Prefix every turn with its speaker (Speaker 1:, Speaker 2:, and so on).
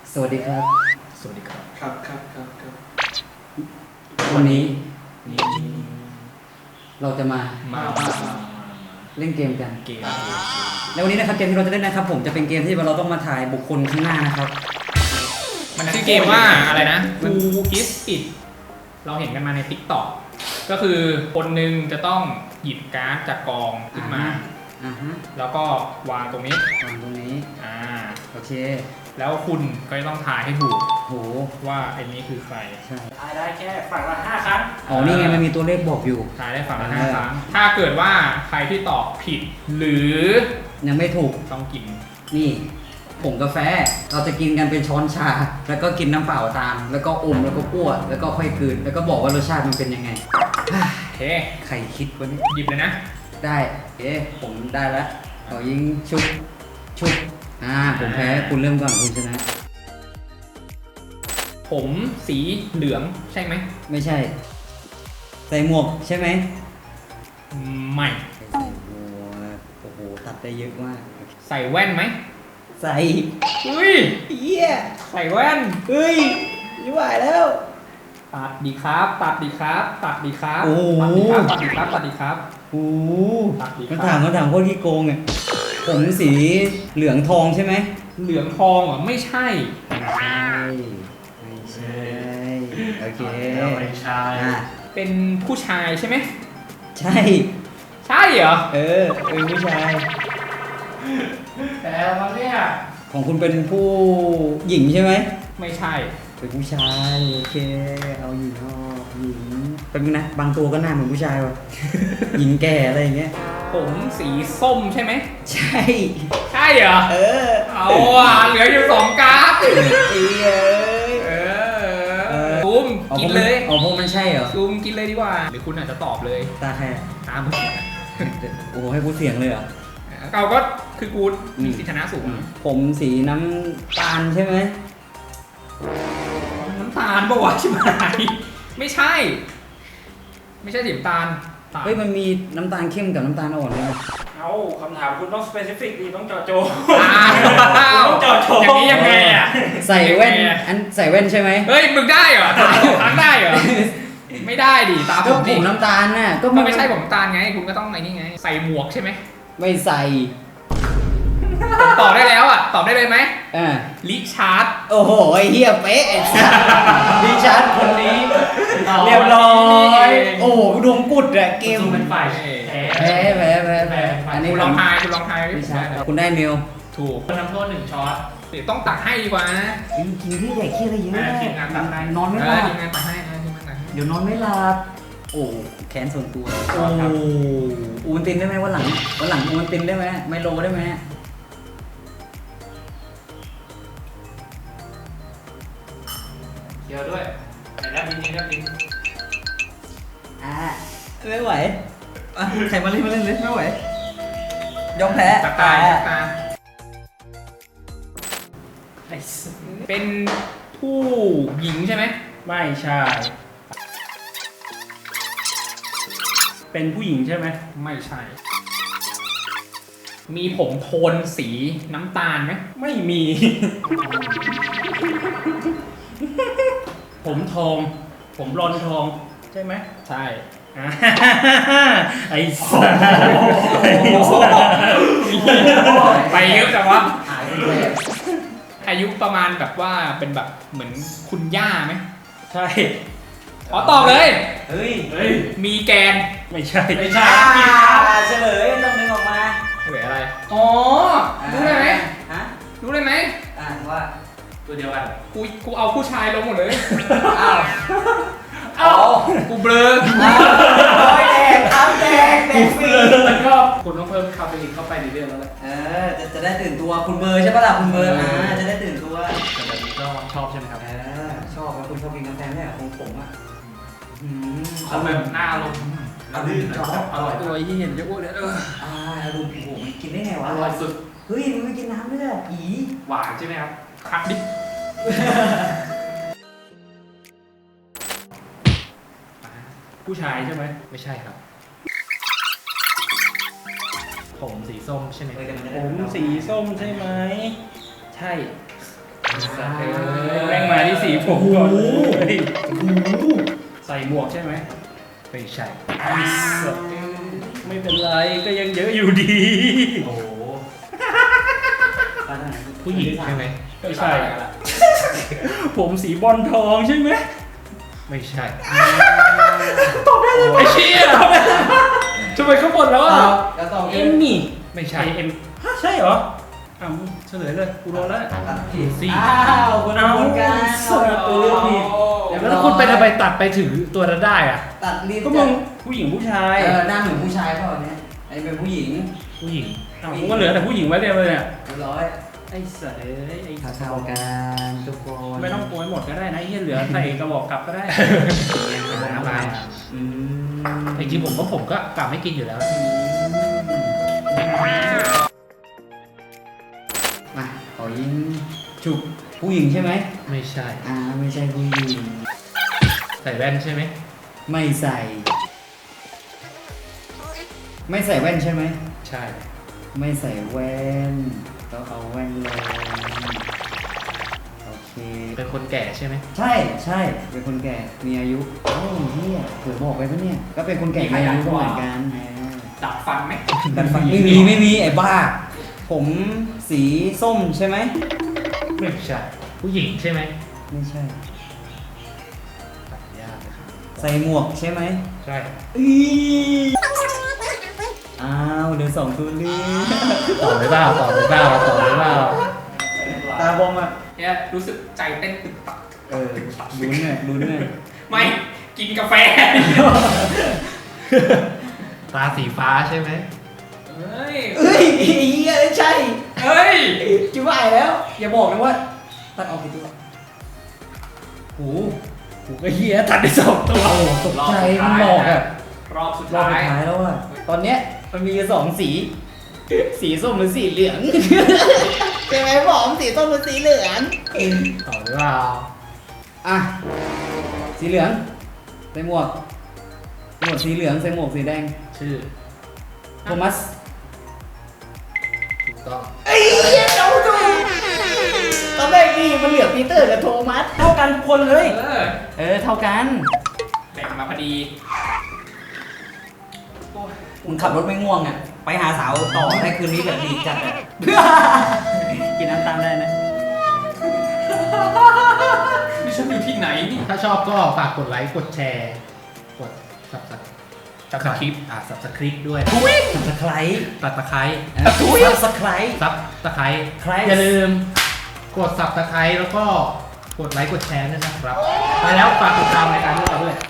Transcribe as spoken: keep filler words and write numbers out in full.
Speaker 1: สวัสดีครับ
Speaker 2: สวัสดีครับ
Speaker 3: ครับครับครับครับ
Speaker 1: วันนี้
Speaker 2: นี่
Speaker 1: เราจะมา
Speaker 2: มามามา
Speaker 1: เล่นเกมกัน
Speaker 2: เกม
Speaker 1: แล้ววันนี้นะครับเกมที่เราจะเล่นนะครับผมจะเป็นเกมที่เราต้องมาถ่ายบุคคลข้างหน้านะครับ
Speaker 2: มันชื่อเกมว่าอะไรนะ Who is it เราเห็นกันมาใน TikTok ก็คือคนหนึ่งจะต้องหยิบการ์ดจากกองขึ้นมา
Speaker 1: อ่าฮะ
Speaker 2: แล้วก็วางตรงนี้
Speaker 1: วางตรงนี้
Speaker 2: อ่า
Speaker 1: โอเค
Speaker 2: แล้วคุณก็จะต้องทายให้ถูก
Speaker 1: โห
Speaker 2: ว่าไอ้นี้คือใคร
Speaker 1: ใช่
Speaker 3: ทายได้แค่ฝั่งละห้าครั้ง
Speaker 1: อ๋อนี่ไงมันมีตัวเลขบอกอยู่
Speaker 2: ทายได้ฝั่งละ
Speaker 1: เออ
Speaker 2: ห้าครั้ง ถ้าเกิดว่าใครที่ตอบผิด หรือ
Speaker 1: ยังไม่ถูก
Speaker 2: ต้องกิน
Speaker 1: นี่ผงกาแฟเราจะกินกันเป็นช้อนชา แล้วก็กินน้ำเปล่าตาม แล้วก็อมแล้วก็ปั้วแล้วก็ค่อยกลืนแล้วก็บอกว่ารสชาติมันเป็นยังไง
Speaker 2: โอเค
Speaker 1: ใครคิดวะเนี่ย
Speaker 2: หยิบเลยนะ
Speaker 1: ได้เอ๊ะผมได้แล้วเอายิงชุบชุบอ่าผมแพ้คุณเริ่มก่อนคุณชนะ
Speaker 2: ผมสีเหลืองใช่ไหม
Speaker 1: ไม่ใช่ ใส่หมวกใช่ไหม
Speaker 2: ไม่
Speaker 1: ใส่หมวกโอ้โหตัดได้เยอะมาก
Speaker 2: ใส่แว่นไหม
Speaker 1: ใส่
Speaker 2: เฮ้ย
Speaker 1: เหี้ย
Speaker 2: ใส่แว่น
Speaker 1: เฮ้ยไม่ไหวแล้ว
Speaker 2: ตัดดีครับ ตัดดีครับ ตัดดีครับ
Speaker 1: โอ้โห
Speaker 2: ตัดดีครับ ตัดดีครับ ตัดดีครับ
Speaker 1: โอ้โห
Speaker 2: ตัดดีครับ
Speaker 1: มันถามมันถามโคตรขี้โกงเนี่ยผมสีเหลืองทองใช่ไหม
Speaker 2: เหลืองทองเหรอ ไม่ใช่
Speaker 1: ไม่ใช่ไม่ใช่โอเค
Speaker 3: ไม่ใช่
Speaker 1: อ่ะ
Speaker 2: เป็นผู้ชายใช่ไหม
Speaker 1: ใช่
Speaker 2: ใช่เหรอ
Speaker 1: เออเป็นผู้ชาย
Speaker 2: แต่มาเนี่ย
Speaker 1: ของคุณเป็นผู้หญิงใช่ไหม
Speaker 2: ไม่ใช่
Speaker 1: เป็นผู้ชายโอเคเอาหญิงเอาหญิงเป็นนะบางตัวก็หน้าเหมือนผู้ชายว่ะ หญิงแก่อะไรอย่างเงี้ย
Speaker 2: ผมสีส้มใช่ไหม
Speaker 1: ใช่
Speaker 2: ใช่เหรอ
Speaker 1: เออ
Speaker 2: เอาอ่ะเหลืออยู่สองการ์ด
Speaker 1: เอ้ย
Speaker 2: เอ
Speaker 1: เอ
Speaker 2: อ
Speaker 1: อ
Speaker 2: ซูมกินเลย
Speaker 1: เอาพวกมันใช่เหรอ
Speaker 2: ซูมกินเลยดีกว่า หรือคุณอาจจะตอบเลย
Speaker 1: ตาใครอะ
Speaker 2: ตาม
Speaker 1: โอ้โหให้กูเสียงเลยเหรอ
Speaker 2: เราก็คือกูมีสิทธิชนะสูง
Speaker 1: ผมสีน้ำตาลใช่ไหม
Speaker 2: น้ำตาลปะวะชิบหายไม่ใช่ ไม่ใช่สีน้ำตาล
Speaker 1: เฮ้ยมันมีน้ำตาลเข้มกับน้ำตาลอ่อนเลยนะ
Speaker 3: เอาคำถามคุณต้องสเปซิฟิกดีต้องเจาะจง
Speaker 2: อ้าว
Speaker 3: ต้องเจาะจง
Speaker 2: อย่างนี้ยังไงอ่ะ
Speaker 1: ใส่แว่นอันใส่แว่นใช่ไหม
Speaker 2: เฮ้ยมึงได้เหรอถามถามได้เหรอไม่ได้ดิตามผ
Speaker 1: ก็
Speaker 2: ม
Speaker 1: ผ
Speaker 2: ดิ
Speaker 1: มน้ำตาลน่ะก็
Speaker 2: ก็ไม่ใช่ผมน้ำตาลไง คุณก็ต้องไอ้นี่ไง ใส่หมวกใช่ไหม
Speaker 1: ไม่ใส่
Speaker 2: ผมตอบได้แล้วอ่ะตอบได้เลยไหม
Speaker 1: อ่า
Speaker 2: ลิชาร์ด
Speaker 1: โอ้โหไอ้เหี้ยเป๊ะไอ้สัสดิฉันคนนี้ เรียบร้อย โอ้โหดวงกุดอะเกม
Speaker 3: เป็นฝ่ายแพ้
Speaker 1: แพ้แพ้แพ้แพ้อันนี้
Speaker 2: คุณลองทายคุณลองทาย
Speaker 1: ดิฉันคุณได้เมล
Speaker 2: ถูก
Speaker 3: คนทำโทษหนึ่งช็อต
Speaker 2: เดี๋ยวต้องตักให้ดีกว่านะ
Speaker 1: กินกินที่ใหญ่ขี้อะไรเยอะ
Speaker 3: อ่าทีมงานตัดให้
Speaker 1: นอนไม่
Speaker 2: เอ
Speaker 1: หลั
Speaker 2: อบ ทีมงานตักให้นะทีมงานตักให้
Speaker 1: เดี๋ยวนอนไม่หลับ โอ้แขนส่วนตัว โอ้อูนตินได้ไหมวันหลังวันหลังอูนตินได้ไหมไมโลได้ไหม
Speaker 3: เดียวด้วยไหนรับดินนี่รับดิน
Speaker 1: อ่าไม่ไหวอ่ะใครมาเล่นมาเล่นเลยไม่ไหว ยอมแพ้
Speaker 2: ตักตายตักตา
Speaker 3: ไอ้สัส
Speaker 2: เป็นผู้หญิงใช่ไหม
Speaker 3: ไม่ใช่ เป็นผู้หญิงใช่ไหม
Speaker 2: ไม่ใช่ มีผมโทนสีน้ำตาลไหม
Speaker 3: ไม่มี ผมทอง ผมรอนทอง ใช่ไหม
Speaker 2: ใช่
Speaker 3: อ่าไอ้สัส
Speaker 2: ไปเยอะจังวะ
Speaker 1: หายไปเลย
Speaker 2: อายุประมาณแบบว่าเป็นแบบเหมือนคุณย่าไหม
Speaker 3: ใช่
Speaker 2: ขอตอบเลย
Speaker 1: เฮ้ย
Speaker 3: เฮ้ย
Speaker 2: มีแกน
Speaker 3: ไม่ใช่
Speaker 1: ไม่ใช่เฉลยต้องนึงออกมา
Speaker 2: เหลืออะไร อ๋อ รู้เลยไหม
Speaker 1: ฮะ
Speaker 2: รู้เลยไหม
Speaker 1: อ่านว่า
Speaker 3: ตัวเดียวกัน
Speaker 2: กูกูเอาผู้ชายลงหมดเลย
Speaker 1: อ้าว
Speaker 2: เอ้ากูเบลอ
Speaker 1: โอ้ยแดงครับแดงแดงฟรี
Speaker 3: มันก็คุณต้องเพิ่มคาเฟอีนเข้าไปในเรื่องแล้วแหละ
Speaker 1: เออจะจะได้ตื่นตัวคุณเบอร์ใช่ปะล่ะคุณเบอร์อ่าจะได้ตื่นตัว
Speaker 3: แต่แบบนี้ก็ชอบใช่ไหมครับ
Speaker 1: เออชอบแล้วคุณชอบกินกาแฟไหมอ่ะของผมอ่ะอืม
Speaker 3: เอาแบบหน้าลงอร่อยชอบอร่อย
Speaker 2: ตัวที่เห็นจะอ้วนเลยเออ
Speaker 1: อ่าดูโอ้โหมันกินได้ไงวะ
Speaker 3: อร่อยสุด
Speaker 1: เฮ้ยมันไม่กินน้ำด้วยอ่ะอี
Speaker 3: หวานใช่ไหมครับ
Speaker 2: คัดดิ
Speaker 3: ผู้ชายใช่ไหม
Speaker 2: ไม่ใช่ครับ
Speaker 3: ผมสีส้มใช่ไหม
Speaker 1: เออแต่นจะ
Speaker 3: ผ
Speaker 1: ได้
Speaker 3: มสีส้มใช่ไหม ใช่
Speaker 2: เ
Speaker 3: แม่งมาที่สีผมก่อนเลยใส่หมวกใช่ไหม
Speaker 2: ไม่ใช่
Speaker 3: ไม่เป็นไรก็ยังเยอะอยู่ดี
Speaker 1: โอ้โห
Speaker 2: ผู้หญิงใช่ไหม
Speaker 3: ไม่ใช่ ผมสีบอลทองใช่ไหม
Speaker 2: ไม่ใช่
Speaker 3: ไอ้เชี่ยทำไมเขาหมดแล้วอ่ะ
Speaker 1: ก็ต้อง
Speaker 3: เอ็มนี่
Speaker 2: ไม่ใช่
Speaker 3: ไอเอ็มฮะใช่เหรออ่ะมึงเฉลยเลยกูรอแล้ว
Speaker 1: ผิด
Speaker 2: สี่
Speaker 1: อ้าวคนละคนกัน
Speaker 3: เสิร์ฟเออผิด แล้วคุณไปทำไมตัดไปถึงตัวนั้นได้อ่ะ
Speaker 1: ตัดลิ้น
Speaker 3: ก็มึงผู้หญิงผู้ชาย
Speaker 1: เออหน้าเหมือนผู้ชายเปล่าเนี่ยไอ้เป็นผู้หญิง
Speaker 2: ผู้หญิง
Speaker 3: อ้าวผมก็เหลือแต่ผู้หญิงไว้เดียวเลยเนี่ย
Speaker 1: เรียบร้อย
Speaker 3: ไอ้สัตว์เอ้ยไอ้
Speaker 1: เท่าๆกันทุกคน
Speaker 3: ไม่ต้องโกยหมดก็ได้นะไอ้เหี้ยเหลือใส่กระบอกกลับก็ได้
Speaker 2: น้ำลาย
Speaker 1: อืม
Speaker 2: จริงๆผมก็ผมก็กลับไม่กินอยู่แล้ว
Speaker 1: มาขอยิงฉุบผู้หญิงใช่ไหม
Speaker 2: ไม่ใช่
Speaker 1: อ่าไม่ใช่ผู้หญิง
Speaker 2: ใส่แว่นใช่ไหม
Speaker 1: ไม่ใส่ ไม่ใส่แว่นใช่ไหม
Speaker 2: ใช่
Speaker 1: ไม่ใส่แว่นต้องเอาแว่นลงโอเค
Speaker 2: เป็นคนแก่ใช่ไหม
Speaker 1: ใช่ใช่เป็นคนแก่มีอายุโอ้เฮียเผื่อบอกไปปะเนี่ย ก็เป็นคนแก่มีอายุก็เหมือนกันอ่า
Speaker 3: ดับฟันไหม
Speaker 1: ดัดฟันไม่มีไม่มีไอ้บ้า ผมสีส้มใช่ไหม
Speaker 2: ไม่ใช่ ผู้หญิงใช่ไหม
Speaker 1: ไม่ใช่
Speaker 2: ตัดยากเลยครับ
Speaker 1: ใส่หมวกใช่ไหม
Speaker 2: ใช่
Speaker 1: อีอ้าวเหลือสองตัวเลือก
Speaker 2: ตอบเลยเปล่าตอบเลยเปล่าตอบเลยเปล่า
Speaker 1: ตาบอมอ่ะ
Speaker 3: เนี่ยรู้สึกใจเต้นตึกตัก
Speaker 1: เออลุ้นหน่อยลุ้นหน่อย
Speaker 3: ไม่กินกาแฟ
Speaker 2: ตาสีฟ้าใช่ไหม
Speaker 3: เฮ้ย
Speaker 1: เฮ้ยไอ้เฮียใช่
Speaker 3: เฮ้ย
Speaker 1: จิ๋วไหวแล้ว อย่าบอกนะว่าตัดออกกี่ตัวโอ้โห
Speaker 3: กูก็เฮียตัดได้สองตัว
Speaker 1: ตกใจมันหลอกอ่ะ
Speaker 3: รอบสุด
Speaker 1: รอบ
Speaker 3: ท้า
Speaker 1: สุ
Speaker 3: ย
Speaker 1: ดท้ายแล้วอ่ะ ตอนเนี้ยมันมีอยู่สองสี สีส้มหรือสีเหลือง ใช่ไหมผมสีส้มหรือสีเหลือง
Speaker 2: ตอบเลยเปล่า
Speaker 1: อ่ะ สีเหลืองใส่หมวกหมวกสีเหลืองใส่หมวกสีแดง
Speaker 2: ชื่อ
Speaker 1: โทมัส
Speaker 2: ถูกต้อง
Speaker 1: ไอ้เหี้ยเราดูตอนแรกนี่มันเหลือปีเตอร์กับโทมัสเท่ากันทุกคนเลย
Speaker 3: เออ
Speaker 1: เออเท่ากัน
Speaker 3: แบ่งมาพอดีโอ้ย
Speaker 1: มึงขับรถไม่ง่วงอ่ะ ไปหาสาวต่อได้คืนนี้แบบดีจัดอ่ะ กินน้ำตาลได้นะ
Speaker 3: นี่ฉันอยู่ที่ไหนนี่
Speaker 2: ถ้าชอบก็ฝากกดไลค์กดแชร์ กดสับสับ
Speaker 3: จับคลิป
Speaker 2: อ่าสับสคริปด้วย
Speaker 1: สับสไครต์
Speaker 2: ตัดตะไคร้
Speaker 1: สับสไครต์
Speaker 2: ซับตะไคร้
Speaker 1: ใคร
Speaker 2: อย่าลืมกดสับตะไคร้แล้วก็กดไลค์กดแชร์ด้วยนะครับ ไปแล้วฝากติดตามรายการด้วย